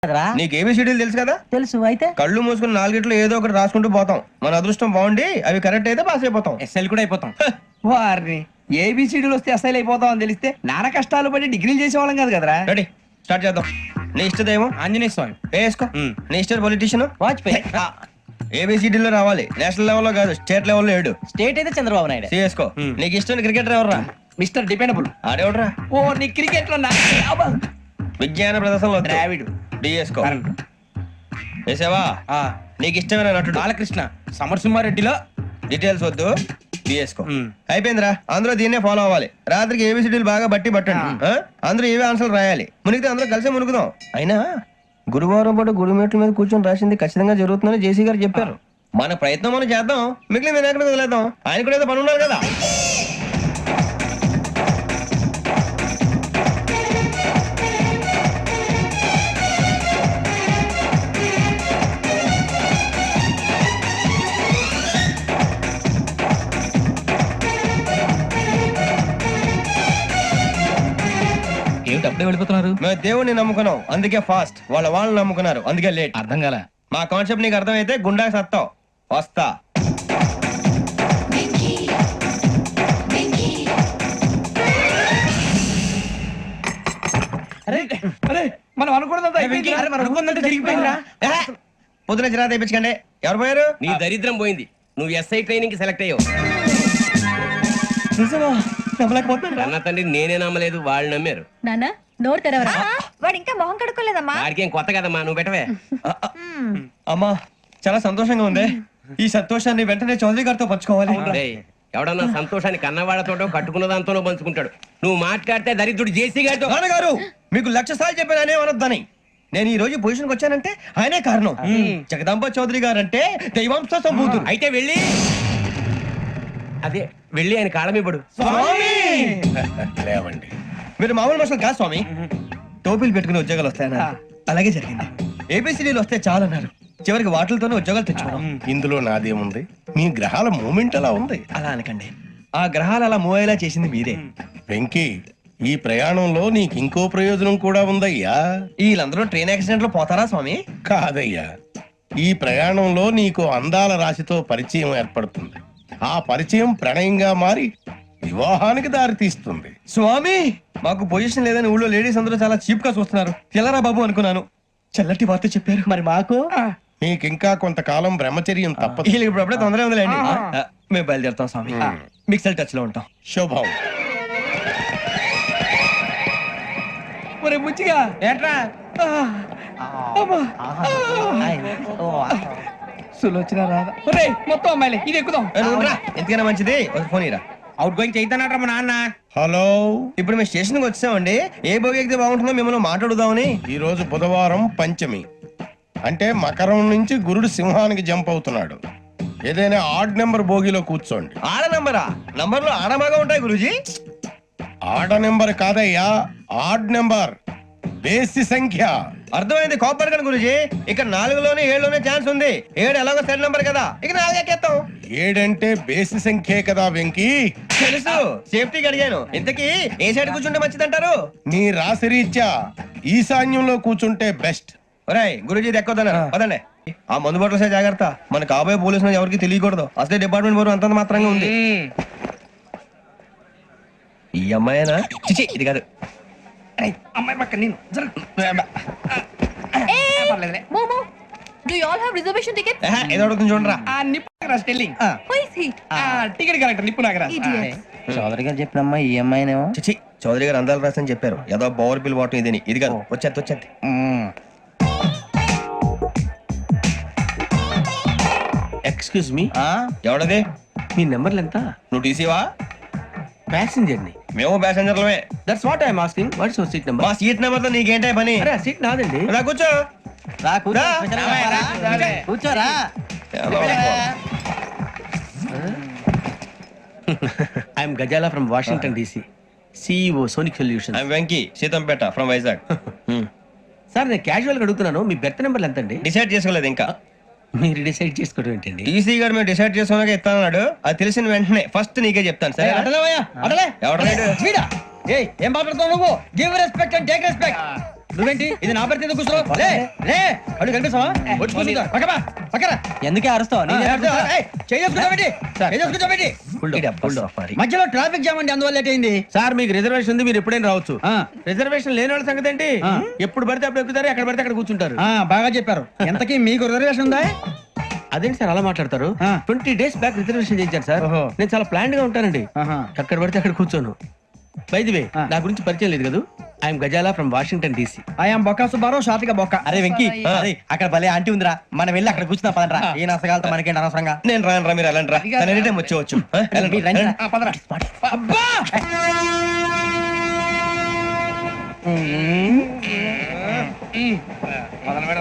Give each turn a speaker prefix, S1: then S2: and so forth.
S1: నీకు ఏబిసిడీలు తెలుసు కదా?
S2: తెలుసు. అయితే
S1: కళ్ళు మూసుకుని నాలుగిట్లో ఏదో ఒకటి రాసుకుంటూ పోతాం. మన అదృష్టం బాగుండి అవి కరెక్ట్ అయితే పాస్ అయిపోతాం.
S3: ఎస్ఎల్ కూడా అయిపోతాం. వారిని ఏబిసిడీలు వస్తే ఎస్ఐలు అయిపోతాం అని తెలిస్తే నాన్న కష్టాలు పడి డిగ్రీలు చేసేవాళ్ళం కాదు కదరా.
S1: రెడీ, స్టార్ట్ చేద్దాం. నీ ఇష్టదేమో
S3: ఆంజనేయ స్వామి.
S1: వేసుకో. నీ ఇష్ట పొలిటీషియన్
S2: వాజ్పేయి.
S1: ఏబిసిడీలో రావాలి, నేషనల్ లెవెల్లో కాదు, స్టేట్ లెవెల్లో 7.
S2: స్టేట్ అయితే చంద్రబాబు నాయుడు.
S1: సిఎస్కో. నీకు ఇష్టం క్రికెటర్ ఎవర్రా?
S3: Mister dependable.
S1: ఆడేవడరా?
S3: ఓ నీ క్రికెట్ లో
S1: విజ్ఞాన ప్రదర్శనలో
S3: ద్రావిడు.
S1: డిఎస్కో. వేసావా? నీకు ఇష్టమైన నటుడు?
S3: బాలకృష్ణ. సమర్సింహారెడ్డిలో
S1: డీటెయిల్స్ వద్దు, డిఎస్కో. అయిపోయిందిరా, అందరూ దీన్నే ఫాలో అవ్వాలి. రాత్రికి ఏబిసిడీలు బాగా బట్టి పట్టండి. అందరూ ఏవే ఆన్సర్లు రాయాలి. మునిగితే అందరూ కలిసి మునుగుదాం. అయినా గురువారం పాటు గురుమేట్ల మీద కూర్చొని రాసింది ఖచ్చితంగా జరుగుతుందని జేసీ గారు చెప్పారు. మన ప్రయత్నం మనం చేద్దాం, మిగిలిన వినాయకుడికి వదిలేద్దాం. ఆయన కూడా ఏదో పని ఉన్నారు కదా.
S2: ఏమిటి అప్పుడే వెళ్ళిపోతున్నారు?
S1: మేము దేవుడిని నమ్ముకున్నాం, అందుకే ఫాస్ట్. వాళ్ళని నమ్ముకున్నారు, అందుకే లేట్.
S2: అర్థం కాల.
S1: మా కాన్సెప్ట్ నీకు అర్థమైతే గుండా సత్తావు. వస్తా.
S3: మనం అనుకున్నదంతా జరిగిపోయిందిరా.
S1: పొద్దున చిరా తెప్పించకండి. ఎవరు పోయారు?
S4: నీ దరిద్రం పోయింది. నువ్వు ఎస్ఐ ట్రైనింగ్ కి సెలెక్ట్ అయ్యావు. అన్న తండ్రి నేనే నమ్మలేదు, వాళ్ళు నమ్మారు.
S5: నాన్న నోరు తెరవరా.
S6: వాడు ఇంకా మొహం కడుక్కోలేదమ్మా.
S4: వాడికి ఏం కొత్త కదమ్మా, నువ్వు పెట్టవే.
S1: అమ్మా చాలా సంతోషంగా ఉంది. ఈ సంతోషాన్ని వెంటనే చౌదరి గారితో పంచుకోవాలి.
S4: డేయ్, ఎవడన్నా సంతోషాన్ని కన్నవాళ్లతోటో కట్టుకున్న దాంతోనో పంచుకుంటాడు. నువ్వు మాట్లాడితే దరిద్రుడు జేసీ గారితో.
S1: నాన్నగారు మీకు 1,00,000 సార్లు చెప్పాను అనే అనొద్దని. నేను ఈ రోజు పొజిషన్కి వచ్చానంటే ఆయనే కారణం. జగదాంబ చౌదరి గారు అంటే దైవాంశ సంభూతుడు.
S4: అయితే వెళ్ళి అదే వెళ్ళి ఆయన కాళ్ళమివ్వడు.
S1: లేవండి, మీరు మామూలు మనుషులు కాదు స్వామి. టోపీలు పెట్టుకుని ఉద్యోగాలు వస్తాయన్నారు, అలాగే జరిగింది. ఏబిసిడీలు వస్తే చాలన్నారు, చివరికి వాటిలతోనే ఉద్యోగాలు తెచ్చుకున్నాం.
S7: ఇందులో నాదేముంది? మీ గ్రహాల మూమెంట్ అలా ఉంది.
S1: అలా అనకండి, ఆ గ్రహాలు అలా మూవ్ అయ్యేలా చేసింది మీరే.
S7: వెంకీ, ఈ ప్రయాణంలో నీకు ఇంకో ప్రయోజనం కూడా ఉందయ్యా.
S1: వీళ్ళందరూ ట్రైన్ యాక్సిడెంట్ లో పోతారా స్వామి?
S7: కాదయ్యా, ఈ ప్రయాణంలో నీకు అందాల రాశితో పరిచయం ఏర్పడుతుంది. ఆ పరిచయం ప్రణయంగా మారి వివాహానికి దారితీస్తుంది.
S1: స్వామి మాకు పొజిషన్ లేదని ఊళ్ళో లేడీస్ అందరూ చాలా చీప్ గా చూస్తున్నారు. తెల్లరా బాబు అనుకున్నాను, చల్లటి వార్త చెప్పారు.
S2: మరి మాకు
S7: నీకింకా కొంతకాలం బ్రహ్మచర్యం తప్పదు.
S1: వీళ్ళకి ఇప్పుడు అప్పుడే తొందరగా ఉందిలేండి. మేము బయలుదేరుతాం స్వామి, మిక్సెల్ టచ్ లో ఉంటాం.
S7: శుభం.
S3: ఒరే ముచ్చిగా
S4: ఏంట్రా
S3: సులోచన రాదా? ఒరే మొత్తం అమ్మాయిలే, ఇది ఎక్కుదాం.
S1: ఎందుకైనా మంచిది ఒక ఫోన్ ఇరా.
S4: అవుట్ గోయింగ్ చేద్దానట్రా మా నాన్న.
S7: హలో,
S1: ఇప్పుడు మేము స్టేషన్ కి వచ్చామండి. ఏ బోగి ఎక్కితే బాగుంటుందో మిమ్మల్ని మాట్లాడుదామని.
S7: ఈ రోజు బుధవారం పంచమి, అంటే మకరం నుంచి గురుడు సింహానికి జంప్ అవుతున్నాడు. ఏదైనా ఆడ్ నెంబర్ బోగిలో కూర్చోండి.
S1: ఆడ నంబరా? నంబర్లు ఆడబాగా ఉంటాయి గురూజీ.
S7: ఆడ నెంబర్ కాదయ్యా, ఆడ్ నెంబర్, బేసి సంఖ్య.
S1: అర్థమైంది, కాపర్ కానీ గురూజీ. ఇక్కడ 4లోనే 7లోనే ఛాన్స్ ఉంది. 7 ఎలాగో సెడ్ నంబర్ కదా, ఇక 4 ఎక్కేస్తాం.
S7: 7 అంటే బేసి సంఖ్యే కదా వెంకీ.
S1: తెలుసు, సేఫ్టీకి అడిగాను. ఇంతకీ ఏ సైడ్ కూర్చుంటే మంచిదంటారు?
S7: నీ రాశి రీత్యా ఈశాన్యంలో కూర్చుంటే బెస్ట్.
S1: ఒరేయ్ గురూజీ దెక్కొద్దన్నారు పదండి. ఆ మందు బట్టలసే జాగ్రత్త, మన కాబోయే పోలీసులు ఎవరికి తెలియకూడదు. అసలే డిపార్ట్మెంట్ బోరు అంతంత మాత్రంగా ఉంది. ఈ అమ్మాయినా? చిచి ఇది కాదు.
S3: అమ్మాయి పక్క నేను
S5: Momo, do you all have reservation tickets?
S1: ఏదో అడుగుతుంది చూడరా.
S3: Nippu Nagaraj telling.
S5: Who is he?
S3: Ticket correct, Nippu Nagaraj.
S5: Idiots.
S2: Chowdary గారు చెప్పినమ్మా ఈ అమ్మాయినేమో.
S1: చిచి చౌదరి గారు అందాలు రాసని చెప్పారు. ఏదో బోర్ బిల్ వాటం ఇదని. ఇది కాదు, వచ్చేది.
S4: Excuse me,
S1: ఎవడది?
S4: మీ నెంబర్లు ఎంత?
S1: నువ్వు టీసీవా?
S4: ప్యాసింజర్ ని.
S1: మేము ప్యాసెంజర్లమే.
S4: That's what I'm asking. What's your seat number?
S1: మా సీట్ నెంబర్ తో నీకేంటే పని?
S4: అరే సీట్ నాదండి.
S1: రా కూర్చో.
S2: రా కూర్చో.
S1: రా.
S2: కూర్చోరా.
S4: I'm Gazala from Washington DC, CEO Sonic solution.
S1: I'm Venky, Seethampeta from Vizag.
S4: Sir నేను క్యాజువల్ గా అడుగుతున్నాను, మీ బెర్త్ నెంబర్లు ఎంత అండి?
S1: డిసైడ్ చేసుకోలేదు ఇంకా.
S4: మీరు డిసైడ్ చేసుకోవడం ఏంటండి?
S1: టీసీ గారు మేము డిసైడ్ చేసుకున్నాక ఇస్తానన్నాడు. అది తెలిసిన వెంటనే ఫస్ట్ నీకే చెప్తాను. సరే ఎవడలేడు?
S2: ఏం మాట్లాడుతావు నువ్వు? Give respect and take respect.
S3: నువ్వేంటి ఇది నా పరిస్థితి కూర్చో రే రే అడుగు కనిపిస్తావా వచ్చి కూర్చుంటా పక్కపా పక్కరా
S2: ఎందుకే అరుస్తావు
S3: మధ్యలో ట్రాఫిక్ జామ్ అండి అందువల్ల లేట్ అయింది
S1: సార్ మీకు రిజర్వేషన్ ఉంది, మీరు ఎప్పుడైనా రావచ్చు. రిజర్వేషన్ లేని వాళ్ళ సంగతి ఏంటి? ఎప్పుడు పడితే అప్పుడు ఎక్కుతారు, ఎక్కడ పడితే అక్కడ కూర్చుంటారు.
S3: బాగా చెప్పారు. ఎంతకీ మీకు రిజర్వేషన్ ఉందా?
S1: అదేంటి సార్ అలా మాట్లాడతారు? 20 days బ్యాక్ రిజర్వేషన్ చేయించారు సార్.
S3: ఓహో.
S1: నేను చాలా ప్లాన్డ్ గా ఉంటానండి. ఎక్కడ పడితే అక్కడ కూర్చోను. బై ది వే, నా గురించి పరిచయం లేదు కదా, I'm Gazala from Washington DC.
S3: I'm Bokka Subbarao, షార్ట్గా బొక్క.
S2: అరే వెంకీ అరే అక్కడ భలే ఆంటీ ఉందిరా, మనం వెళ్ళి అక్కడ కూర్చున్నా పదరా. ఏ నసగాలతో మనకేంటి అనవసరంగా.
S1: నేను రాను రా, మీరు వెళ్ళండి రా. తను ఎనీ టైం వచ్చేవచ్చు.
S2: మీరు రండి రా.
S3: అబ్బా